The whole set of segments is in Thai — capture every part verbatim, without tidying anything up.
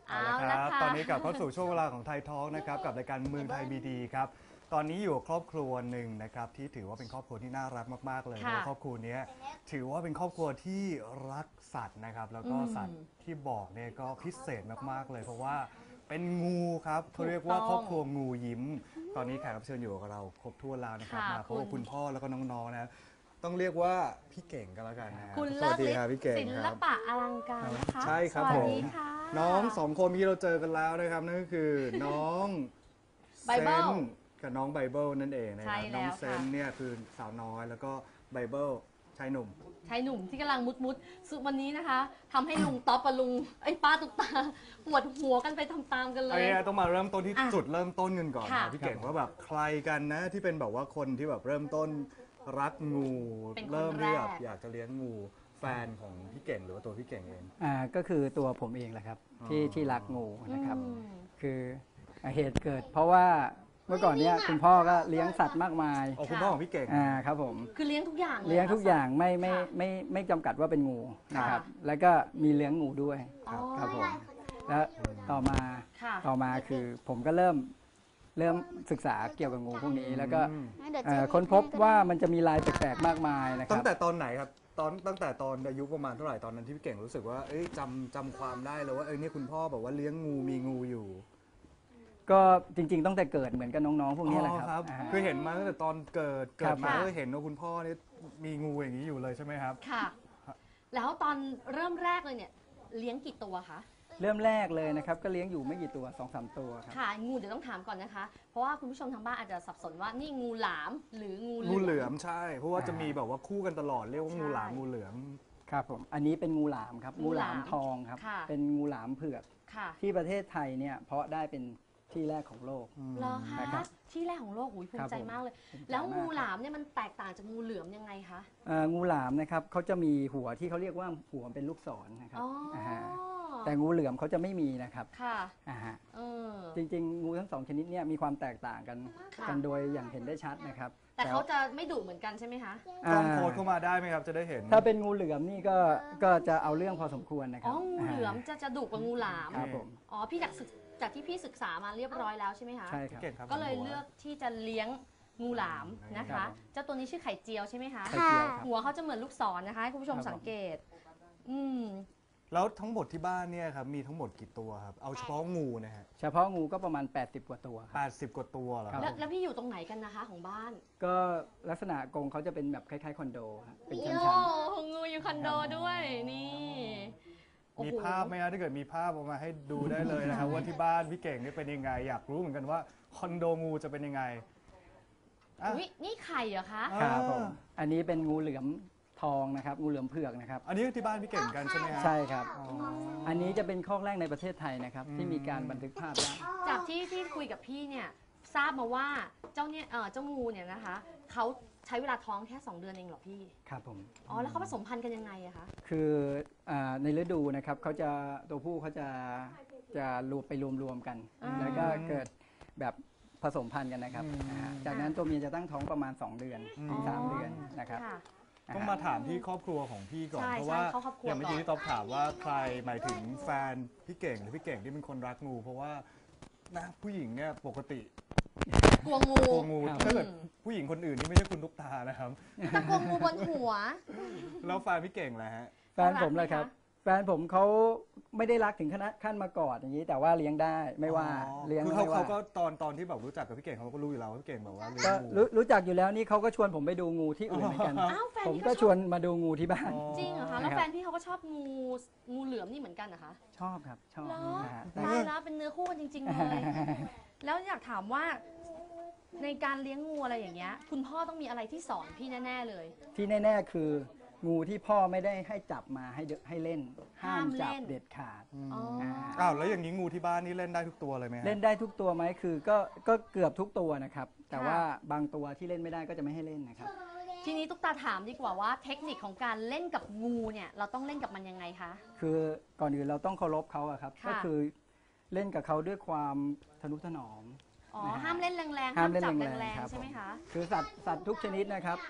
เอาละครับตอนนี้กลับเข้าสู่ช่วงเวลาของไทยทอล์กนะครับกับรายการเมืองไทยบีดีครับตอนนี้อยู่ครอบครัวหนึ่งนะครับที่ถือว่าเป็นครอบครัวที่น่ารักมากๆเลยเพราะครอบครัวนี้ถือว่าเป็นครอบครัวที่รักสัตว์นะครับแล้วก็สัตว์ที่บอกเนี่ยก็พิเศษมากๆเลยเพราะว่าเป็นงูครับเขาเรียกว่าครอบครัวงูยิ้มตอนนี้แขกรับเชิญอยู่กับเราครบถ้วนแล้วนะครับมาพบกับคุณพ่อแล้วก็น้องๆนะต้องเรียกว่าพี่เก่งกันแล้วกันนะคุณสเลิวัสศดีฤทครับธิ์พี่เก่งศิคลรับปะอลังการนะคะใช่ครับสผวัสมดีค่ะน้องสองคนที่เราเจอกันแล้วนะครับนั่นก็คือน้องเซ Bible นกับน้องไบเบิลนั่นเองนะคใช่รับแล้วน้องเซนค่ะเนี่ยคือสาวน้อยแล้วก็ไบเบิลชายหนุ่มชายหนุ่มที่กำลังมุดมุดๆสุดวันนี้นะคะทำให้ลุงต๊อปกับลุงไอ้ยป้าตุ๊กตาปวดหัวกันไปตามๆกันเลอันยนี้ต้องมาเริ่มต้นที่อ่ะจุดเริ่มต้นกันก่อนค่ะนะพี่เก่งว่าแบบใครกันนะที่เป็นแบบว่าคนที่แบบเริ่มต้นรักงูเป็นคนเริ่มที่แบบแรกอยากจะเลี้ยงงูแฟนของพี่เก่งหรือว่าตัวพี่เก่งเองอ่าก็คือตัวผมเองแหละครับที่อ๋อที่รักงูนะครับอืมคืออ่าเหตุเกิด เพราะว่าเมื่อก่อนเนี้ยคุณพ่อก็เลี้ยงสัตว์มากมายอ๋อคุณพ่อของพี่เก่งอ่าครับผมคือเลี้ยงทุกอย่างเลี้ยงทุกอย่างไม่ไม่ค่ะไม่ไม่จำกัดว่าเป็นงูนะครับค่ะแล้วก็มีเลี้ยงงูด้วยอ๋อครับผมแล้วต่อมาค่ะต่อมาคือผมก็เริ่มเริ่มศึกษาเกี่ยวกับงูพวกนี้ แล้วก็อืมเอ่อค้นพบว่ามันจะมีลายแปลกๆมากมายนะคตั้รังบแต่ตอนไหนครับตอนตั้งแต่ตอนอายุประมาณเท่าไหร่ตอนนั้นที่พี่เก่งรู้สึกว่าเอ้ยจำจำความได้เลยว่าเอ้ยนี่คุณพ่อแบบว่าเลี้ยงงูมีงูอยู่ก็จริงๆตั้งแต่เกิดเหมือนกับน้องๆพวกนี้แหละอ๋อครับอ่าคือเห็นมาตั้งแต่ตอนเกิดเกิครัดบมาค่ะก็เห็นว่าคุณพ่อนี่มีงูอย่างนี้อยู่เลยใช่ไหมครับค่ะ แล้วตอนเริ่มแรกเลยเนี่ยเลี้ยงกี่ตัวคะเริ่มแรกเลยนะครับก็เลี้ยงอยู่ไม่กี่ตัวสองสามตัวครับค่ะงูเดี๋ยวต้องถามก่อนนะคะ เพราะว่าคุณผู้ชมทางบ้านอาจจะสับสนว่านี่งูหลามหรืองูงูเหลือมใช่ เพราะว่าจะมีแบบว่าคู่กันตลอดเรียกว่างูหลามใช่งูเหลือมครับผมอันนี้เป็นงูหลามครับงูงูหหลาลาม มทองครับค่ะเป็นงูหลามเผือกค่ะที่ประเทศไทยเนี่ยเพาะได้เป็นที่แรกของโลกเหรอคะนะครับที่แรกของโลกอุ้ยภูครัมิบใจผมมากเลยภูมิใจแล้วมากงูหลามเนี่ยมันแตกต่างจากงูเหลือมยังไงคะเอ่องูหลามนะครับเขาจะมีหัวที่เขาเรียกว่าหัวเป็นลูกศรนะครับอ๋ออาฮะแต่งูเหลือมเขาจะไม่มีนะครับค่ะอ่าฮะเออจริงๆ งูทั้งสองชนิดเนี่ยมีความแตกต่างกันค่ะกันโดยอย่างเห็นได้ชัดนะครับแต่เขาจะไม่ดุเหมือนกันใช่ไหมคะกล้องาโพสเข้ามาได้ไหมครับจะได้เห็นถ้าเป็นงูเหลือมนี่ก็ก็จะเอาเรื่องพอสมควรนะคอ๋รัอบ งูเหลือมจะจะดุกว่างูหลามครับผมอ๋อพี่จากศึกจากที่พี่ศึกษามาเรียบร้อยแล้วใช่ไหมคะใช่คพี่รับเก่งครับก็เลยเลือกที่จะเลี้ยงงูหลามนะครัคะบผมเจ้าตัวนี้ชื่อไข่เจียวใช่ไหมคะไข่เจียวครับหัวเขาจะเหมือนลูกศรนะคะให้คุณผู้ชมครับผมสังเกต อืมแล้วทั้งหมดที่บ้านเนี่ยครับมีทั้งหมดกี่ตัวครับเอาเฉพาะงูนะฮะเฉพาะงูก็ประมาณ แปดสิบ กว่าตัวครับแปดสิบกว่าตัวเหรอคครัรับบแล้วแล้วพี่อยู่ตรงไหนกันนะคะของบ้านก็ลักษณะกรงเขาจะเป็นแบบคล้ายๆคอนโดฮะเป็นชั้โอ้นงูอยู่คอนโดด้วยนี่โอ้มีโหภาพไหมครับถ้าเกิดมีภาพออกมาให้ดูได้เลยนะครับว่าที่บ้านพี่เก่งนี่เป็นยังไงอยากรู้เหมือนกันว่าคอนโดงูจะเป็นยังไงอ่ะอุ๊ยนี่ไข่เหรอคะๆครับผมอันนี้เป็นงูเหลือมทองนะครับงูเหลือมเผือกนะครับอันนี้ที่บ้านพี่เก่งกันใช่ไหมฮะใช่ครับอ๋ออันนี้จะเป็นคอกแรกในประเทศไทยนะครับอืมที่มีการบันทึกภาพได้จากที่ที่คุยกับพี่เนี่ยทราบมาว่าเจ้าเนี่ยเออเจ้างูเนี่ยนะคะเขาใช้เวลาท้องแค่สองเดือนเองเหรอพี่ครับผมอ๋อแล้วเขาผสมพันธุ์กันยังไงอะคะคืออ่าในฤดูนะครับเขาจะตัวผู้เขาจะจะรวมไปรวมๆกันอ่าแล้วก็เกิดแบบผสมพันธุ์กันนะครับอืมอ่าจากนั้นตัวเมียจะตั้งท้องประมาณ สอง เดือนถึงสามเดือนนะครับค่ะต้องมาถามที่ครอบครัวของพี่ก่อนใช่เพราะว่าใช่เข้าครอบครัวอย่างเมื่อกี้ก่อนที่ต๊อบถามว่าใครหมายถึงแฟนพี่เก่งหรือพี่เก่งที่เป็นคนรักงู เพราะว่านะผู้หญิงเนี่ยปกติกลัวงูกลัวงูครับถ้าเกิดผู้หญิงคนอื่นนี่ไม่ใช่คุณตุ๊กตานะครับแต่กลัวงูบนหัวแล้วแฟนพี่เก่งแหละฮะแฟนผมเลยครับ แฟนผมเขาไม่ได้รักถึงขนาดขั้นมากอดอย่างนี้ แต่ว่าเลี้ยงได้ไม่ว่าอ๋อเลี้ยงคือไม่เขาว่าเขาก็ตอนตอนที่แบบรู้จักกับพี่เก่งเขาก็รู้อยู่แล้วว่าพี่เก่งแบบว่าเลี้ยก็งงูรู้รู้จักอยู่แล้วนี่เขาก็ชวนผมไปดูงูที่อื่นเหมือนกันอ้าวแฟนผมพี่ก็ก็ชชอบวนมาดูงูที่บ้านอ๋อจริงเหรอคะแล้วนะครับแฟนพี่เขาก็ชอบงูงูเหลือมนี่เหมือนกันนะคะชอบครับชอบเหรอนะฮะตายแล้วเป็นเนื้อคู่กันจริง ๆ เลย แล้วอยากถามว่าในการเลี้ยงงูอะไรอย่างเงี้ยคุณพ่อต้องมีอะไรที่สอนพี่แน่ๆเลยที่แน่ๆคือ งูที่พ่อไม่ได้ให้จับมาให้เดให้เล่น ห้ามจับห้ามเล่นเด็ดขาดอ๋ออ้าวแล้วอย่างนี้งูที่บ้านนี่เล่นได้ทุกตัวเลยไหมฮะเล่นได้ทุกตัวไหมคือก็ก็เกือบทุกตัวนะครับ แต่ค่ะว่าบางตัวที่เล่นไม่ได้ก็จะไม่ให้เล่นนะครับทีนี้ตุ๊กตาถามดีกว่าว่าเทคนิคของการเล่นกับงูเนี่ยเราต้องเล่นกับมันยังไงคะคือก่อนอื่นเราต้องเคารพเขาอะครับค่ะก็คือเล่นกับเขาด้วยความทนุถนอมอ๋อนะฮะห้ามเล่นแรงๆห้าห้าม มเล่นจับแรงแรงๆครับๆใช่ไหมคะคือสัตว์สัตว์ทุกชนิดนะครับ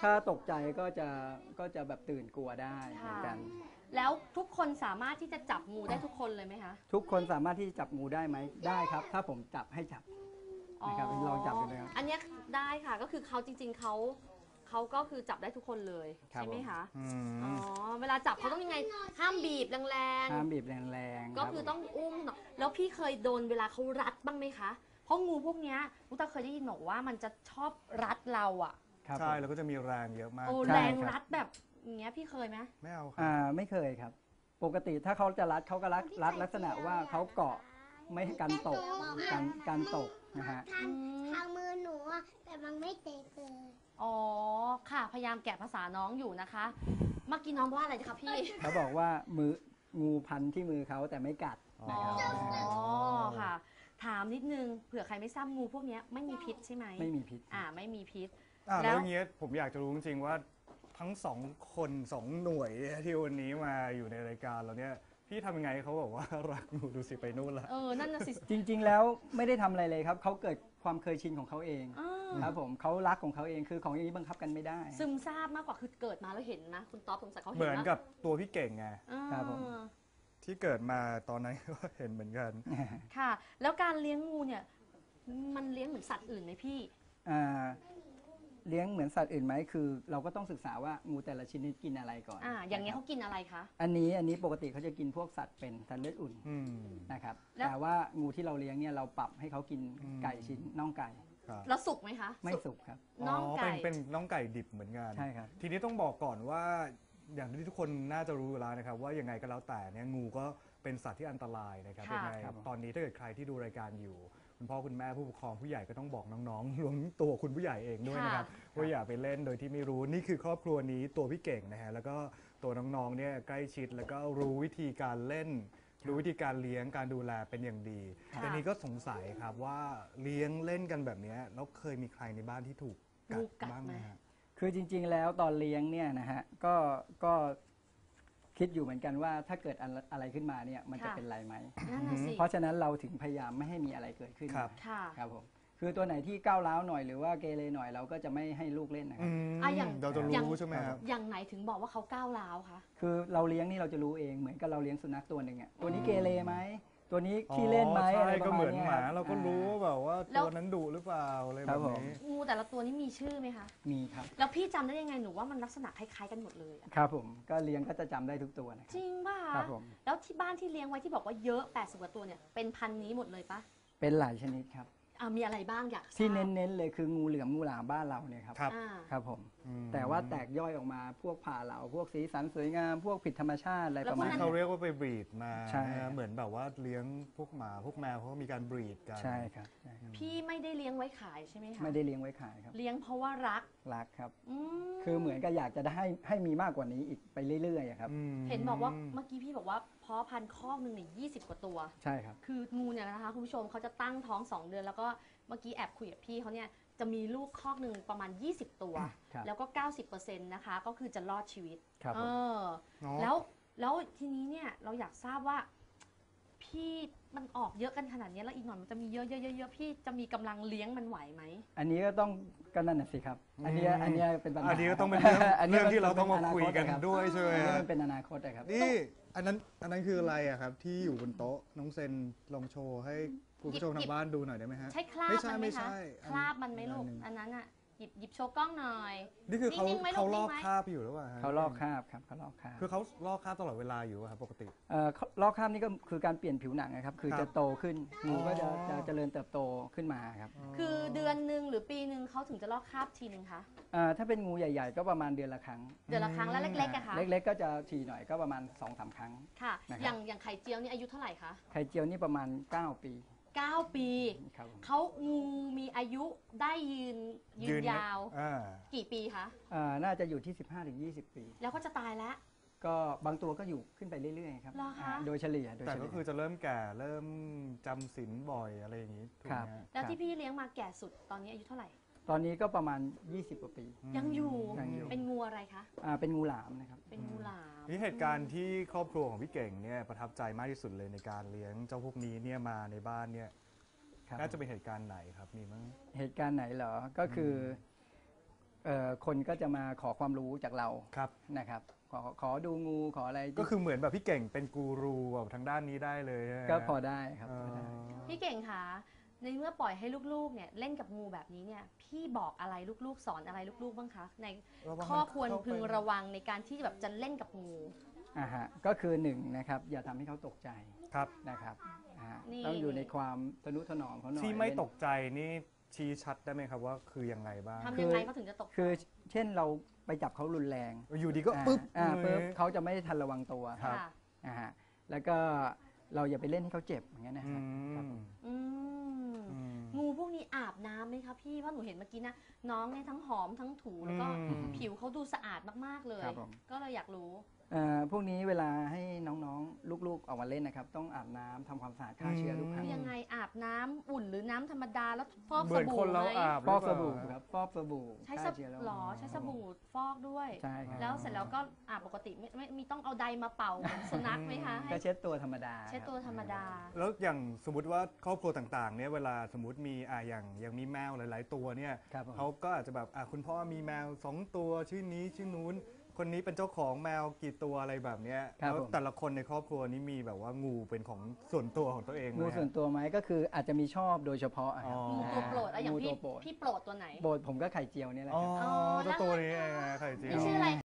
ถ้าตกใจก็จะก็จะแบบตื่นกลัวได้เหมือนกันแล้วทุกคนสามารถที่จะจับงูได้ทุกคนเลยไหมคะทุกคนสามารถที่จะจับงูได้ไหมได้ครับ ถ้าผมจับให้จับนะครับลองจับดูนะครับอันเนี้ยได้ค่ะก็คือเขาจริงๆเขาเขาก็คือจับได้ทุกคนเลยครับใช่ไหมคะอือ๋อมเวลาจับเขาต้องยังไงห้ามบีบแรงห้ามบีบแรงๆๆก็คือต้องอุ้มเนาะแล้วพี่เคยโดนเวลาเขารัดบ้างไหมคะเพราะงูพวกเนี้ยลูกตาเคยได้ยินบอกว่ามันจะชอบรัดเราอ่ะครับใช่ผมแล้วก็จะมีแรงเยอะมากโอ้ใช่แรงครับรัดแบบอย่างเงี้ยพี่เคยไหมไม่เอาคอ่ารับไม่เคยครับ ปกติถ้าเขาจะรัดเขาก็รัดรัดลักษณะว่าเขาเกาะไม่ให้กันตกกันกันตกนะฮะทางทางมือหนูอะแต่มันไม่เตะเลยอ๋อค่ะพยายามแกะภาษาน้องอยู่นะคะเมื่อกี้น้องว่าอะไรคะพี่เขาบอกว่ามืองูพันที่มือเขาแต่ไม่กัดอ๋อนะครับอ๋อค่ะ ถามนิดนึงเผื่อใครไม่ทราบงูพวกเนี้ยไม่มีพิษใช่ไหมไม่มีพิษอ่าไม่มีพิษอ่ะแล้แล้ว วอย่างเงี้ยผมอยากจะรู้จริงๆว่าทั้งสองคนสองหน่วยที่วันนี้มาอยู่ในรายการเราเนี่ยพี่ทำยังไงให้เขาบอกว่ารักหนูดูสิไปนู่นละเออนั่นน่ะสิจริงๆ แล้วไม่ได้ทำอะไรเลยครับ เขาเกิดความเคยชินของเขาเองอ่าครับผมเขารักของเขาเองคือของอย่างนี้บังคับกันไม่ได้ซึมซาบมากกว่าคือเกิดมาแล้วเห็นนะคุณต๊อบสงสัยเขาเหเห็นมือนนะกับตัวพี่เก่งไงอ่าครับผมที่เกิดมาตอนนั้นก็เห็นเหมือนกันค่ะ แล้วการเลี้ยงงูเนี่ยมันเลี้ยงเหมือนสัตว์อื่นไหมพี่อ่าเลี้ยงเหมือนสัตว์อื่นไหมคือ เราก็ต้องศึกษาว่างูแต่ละชนิดกินอะไรก่อนอ่าอย่างเงี้ยนะคเขารับกินอะไรคะอันนี้อันนี้ปกติเขาจะกินพวกสัตว์เป็นสัตว์เลือดอุ่นอืมนะครับแล้วแต่ว่างูที่เราเลี้ยงเนี่ยเราปรับให้เขากินอืมไก่ชิ้นน่องไก่ครับแล้วสุกไหมคะไม่สุกครับน่องอ๋อไก่เป็นเป็นน้องไก่ดิบเหมือนกันใช่ครับทีนี้ต้องบอกก่อนว่าอย่างที่ทุกคนน่าจะรู้อยู่แล้วนะครับ ว่ายังไงก็แล้วแต่เนี่ยงูก็เป็นสัตว์ที่อันตรายนะครับค่ะยังไงครับตอนนี้ถ้าเกิดใครที่ดูรายการอยู่ คุณพ่อคุณแม่ผู้ปกครองผู้ใหญ่ก็ต้องบอกน้องๆ รวมถึงตัวคุณผู้ใหญ่เองด้วยนะครับว่าอย่าไปเล่นโดยที่ไม่รู้นี่คือครอบครัวนี้ตัวพี่เก่งนะฮะแล้วก็ตัวน้องๆเนี่ยใกล้ชิดแล้วก็รู้วิธีการเล่น รู้วิธีการเลี้ยงการดูแลเป็นอย่างดีค่ะแต่นี้ก็สงสัยครับว่าเลี้ยงเล่นกันแบบเนี้ยแล้วเคยมีใครในบ้านที่ถูกกังูดกัดบ้างไหไหมมฮะคือจริงๆ แล้วตอนเลี้ยงเนี่ยนะฮะก็ก็คิดอยู่เหมือนกันว่าถ้าเกิดอะไรอะไรขึ้นมาเนี่ยมันจะค่ะเป็นไรไหมนั่นน่ะสิเพราะฉะนั้นเราถึงพยายามไม่ให้มีอะไรเกิดขึ้นครับค่ะครับผมคือตัวไหนที่ก้าวร้าวหน่อยหรือว่าเกเรหน่อยเราก็จะไม่ให้ลูกเล่นนะคอืรับมอ่ะอย่างเราจะอย่างรู้ใช่ไหมครับอย่างไหนถึงบอกว่าเขาก้าวร้าวคะคือเราเลี้ยงนี่เราจะรู้เองเหมือนกับเราเลี้ยงสุนัขตัวหนึ่งอ่ะตัวนี้เกเรไหมตัวนี้ขี้เล่นไหมอ๋ออะไรใช่ปก็ระเหมามืณอนเนี้ยหมาเราก็รู้อ่แบบว่าแล้วตัวนั้นดุหรือเปล่าอะไรคแบรับบ ผมนี้งูแต่ละตัวนี่มีชื่อไหมคะมีครับแล้วพี่จำได้ยังไงหนูว่ามันลักษณะคล้ายๆกันหมดเลยอะครับผมก็เลี้ยงก็จะจำได้ทุกตัวนะคจรับริงป่ะครัคะบผมแล้วที่บ้านที่เลี้ยงไว้ที่บอกว่าเยอะแปดสิบกว่าตัวเนี่ยเป็นพันธุ์นี้หมดเลยปะเป็นหลายชนิดครับอ่ามีอะไรบ้างอยากทราบที่เน้นๆเลยคืองูเหลือมงูหลามบ้านเราเนี่ยครับครับอ่าครับผมอืมแต่ว่าแตกย่อยออกมาพวกผ่าเหลาพวกสีสันสวยงาม พวกผิดธรรมชาติอะไรประมาณที่นี้เขาเรียกว่าไปบรีดมาใช่นะเหมือนแบบว่าเลี้ยงพวกหมาพวกแมวเขาก็มีการบรีดกันใช่ครับใช่ครับพี่ไม่ได้เลี้ยงไว้ขายใช่ไหมคะไม่ได้เลี้ยงไว้ขายครับเลี้ยงเพราะว่ารักรักครับอืมคือเหมือนกับอยากจะได้ให้ให้มีมากกว่านี้อีกไปเรื่อยๆอะครับอืมเห็นบอกว่าเมื่อกี้พี่บอกว่าเพาะพันธุ์คอกหนึ่งเนี่ยยี่สิบกว่าตัวใช่ครับคืองูเนี่ยนะคะคุณผู้ชมเขาจะตั้งท้องสองเดือน แล้วก็เมื่อกี้แอบคุยกับพี่เขาเนี่ยจะมีลูกคอกหนึ่งประมาณยี่สิบตัวครับแล้วก็เก้าสิบเปอร์เซ็นต์นะคะก็คือจะรอดชีวิตครับเอผมอเนาะแล้วแล้วทีนี้เนี่ยเราอยากทราบว่า พี่มันออกเยอะกันขนาดนี้แล้วอีกหน่อยมันจะมีเยอะๆๆๆพี่จะมีกำลังเลี้ยงมันไหวไหมอันนี้ก็ต้องก็นั่นน่ะสิครับ อันเนี้ยอันเนี้ยเป็นปัญหาอันนี้ก็ต้องเป็นเรื่องอันนี้เรื่องที่เราต้องมาป็คุยกันอนาตะรับด้วยใช่ไหมอันนี้ฮะมันเป็นอนาคตอะครับนี่อันนั้นอันนั้นคืออะไรอะครับ ที่อยู่บนโต๊ะน้องเซนลองโชว์ให้คุณผู้ชมหยิทาบงบ้านดูหน่อยได้ไหมฮะใช่คราบไม่ใช่มันไหมไม่คะใช่อันคราบมันไหมลูกอันหนึ่งอันนั้นอ่ะหยิบหยิบโชว์กล้องหน่อยนี่คือเขานิ่งๆไหมลูกเขาลอกนิ่งไหมคาบอยู่หรือเปล่าฮะเขาลอกคราบครับเขาลอกคราบคือเขาลอกคาบตลอดเวลาอยู่อะครับปกติเอ่อลอกคราบนี่ก็คือการเปลี่ยนผิวหนังนะครับ คือครับจะโตขึ้นงูก็จะอ๋อจะเจริญเติบโตขึ้นมาครับคือเดือนหนึ่งหรือปีหนึ่งเขาถึงจะลอกคราบทีหนึ่งคะเอ่อถ้าเป็นงูใหญ่ๆ ก็ประมาณเดือนละครั้งเดือนละครั้งแล้วเล็กๆอะคะเล็กๆ ก็จะทีหน่อยก็ประมาณสองสามครั้งค่ะนะครับอย่างอย่างไข่เจียวนี่อายุเท่าไหร่คะไข่เจียวนี่ประมาณเก้าปีเก้าปีครับผมเขางูมีอายุได้ยืนยืนยาวอ่ากี่ปีคะเอ่อน่าจะอยู่ที่ สิบห้าถึงยี่สิบ ปีแล้วก็จะตายแล้วก็บางตัวก็อยู่ขึ้นไปเรื่อยๆครับเหรอคะอ่าโดยเฉลี่ยโดยแต่เฉก็ลี่ยคือจะเริ่มแก่เริ่มจำศีลบ่อยอะไรอย่างนี้ถูกครัไหบมฮะแล้วที่พี่เลี้ยงมาแก่สุดตอนนี้อายุเท่าไหร่ตอนนี้ก็ประมาณ ยี่สิบ กว่าปียังอยู่ยังอยู่เป็นงูอะไรคะอ่าเป็นงูหลามนะครับเป็นงูหลามนี่เหตุการณ์ที่ครอบครัวของพี่เก่งเนี่ยประทับใจมากที่สุดเลยในการเลี้ยงเจ้าพวกนี้เนี่ยมาในบ้านเนี่ยครับน่าจะเป็นเหตุการณ์ไหนครับมีมั้งเหตุการณ์ไหนเหรอ ก็คือเอ่อคนก็จะมาขอความรู้จากเราครับนะครับขอขอดูงูขออะไรก็คือเหมือนแบบพี่เก่งเป็นกูรูแบบทางด้านนี้ได้เลยใช่ไหมก็พอได้ครับเอพอได้อพี่เก่งคะในเมื่อปล่อยให้ลูกๆเนี่ยเล่นกับงูแบบนี้เนี่ยพี่บอกอะไรลูกๆสอนอะไรลูกๆบ้างคะในระวังข้อควรมันเข้าไปพึงระวังในการที่แบบจะเล่นกับงูอ่าฮะก็คือหนึ่งนะครับอย่าทำให้เขาตกใจครับนะครับอ่าฮะนี่ต้องอยู่ในความทนุถนอมเขาหน่อยที่ไม่เล่นตกใจนี่ชี้ชัดได้ไหมครับว่าคือยังไงบ้างทำยังไงเขาถึงจะตกใจคือเช่นเราไปจับเขารุนแรงอยู่ดีก็อ่าปึ๊บอ่าปึ๊บเลยเขาจะไม่ทันระวังตัวครับค่ะอ่าฮะแล้วก็เราอย่าไปเล่นให้เขาเจ็บอย่างเงี้ยนะอืฮะครับมผมอืมอืมงูพวกนี้อาบน้ำไหมคะพี่เพราะหนูเห็นเมื่อกี้นะน้องเนี่ยทั้งหอมทั้งถูแล้วก็อืมผิวเขาดูสะอาดมากๆเลยครับผมก็เลยอยากรู้เอ่อพวกนี้เวลาให้น้องๆลูกๆออกมาเล่นนะครับ ต้องอาบน้ำทำความสะอาดฆ่าเชื้อทุกครั้งคือยังไงอาบน้ำอุ่นหรือน้ำธรรมดาแล้วฟอกเหสมือนบู่คนเราไหมอาบฟอกสหรืบู่เปล่าครับฟอกสบู่ใช้สฆ่าบเชื้อโรคหรอใช้สบู่ฟอกด้วยใช่ครับแล้วเสร็จแล้วก็อาบปกติไม่ไม่มีต้องเอาใดมาเป่าเหมือนสุนัขไหมคะให้ก็เช็ดตัวธรรมดาเช็ดตัวธรรมดาแล้วอย่างสมมติว่าครอบครัวต่างๆเนี่ยเวลาสมมติมีอ่าอย่างอย่างมีแมวหลายๆตัวเนี่ยครับผมเขาก็อาจจะแบบอ่ะคุณพ่อมีแมวสองตัวชื่อนี้ชื่อนู้น คนนี้เป็นเจ้าของแมวกี่ตัวอะไรแบบเนี้ยครับแล้วผมแต่ละคนในครอบครัวนี้มีแบบว่างูเป็นของส่วนตัวของตัวเองไหมงูฮะส่วนตัวไหมก็คืออาจจะมีชอบโดยเฉพาะอะครับอ๋องูตัวโปรดอะอย่างงูพี่ตัวโปรดพี่โปรดตัวไหนโปรดผมก็ไข่เจียวเนี่ยแหละอ๋อครับเจ้าตัวนี้เองนะไข่เจียวพี่ชื่ออะไร